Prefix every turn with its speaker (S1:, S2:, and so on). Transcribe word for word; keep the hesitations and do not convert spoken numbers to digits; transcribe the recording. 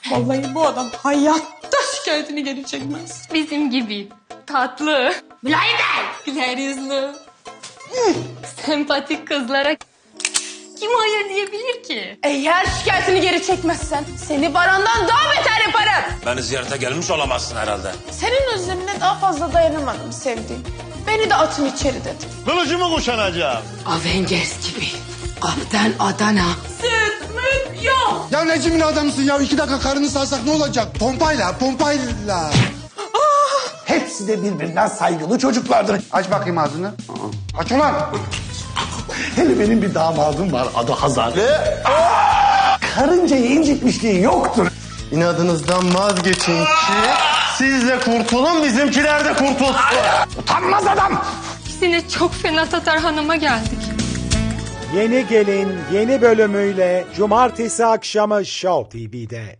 S1: Vallahi bu adam hayatta şikayetini geri çekmez.
S2: Bizim gibi. Tatlı.
S1: Mülayim Bey.
S2: Güler yüzlü. Sempatik kızlara kim hayır diyebilir ki?
S1: Eğer şikayetini geri çekmezsen seni Baran'dan daha beter yaparım.
S3: Beni ziyarete gelmiş olamazsın herhalde.
S1: Senin özlemine daha fazla dayanamadım sevdiğim. Beni de atın içeri dedim.
S4: Kılıcımı kuşanacağım.
S5: Avengers gibi. Kaptan Adana.
S1: Süt müt yok.
S6: Ya Necim'in adamısın ya. İki dakika karını sarsak ne olacak? Pompayla, pompayla.
S7: Hepsi de birbirinden saygılı çocuklardır.
S6: Aç bakayım ağzını. Aç ulan.
S7: Hele benim bir damadım var, adı Hazar. Karıncayı incitmişliği yoktur.
S4: İnadınızdan vazgeçin ki siz de kurtulun, bizimkiler de kurtulsun.
S7: Utanmaz adam.
S2: İkisine çok fena Tatar Hanım'a geldik.
S8: Yeni Gelin yeni bölümüyle Cumartesi akşamı Show T V'de.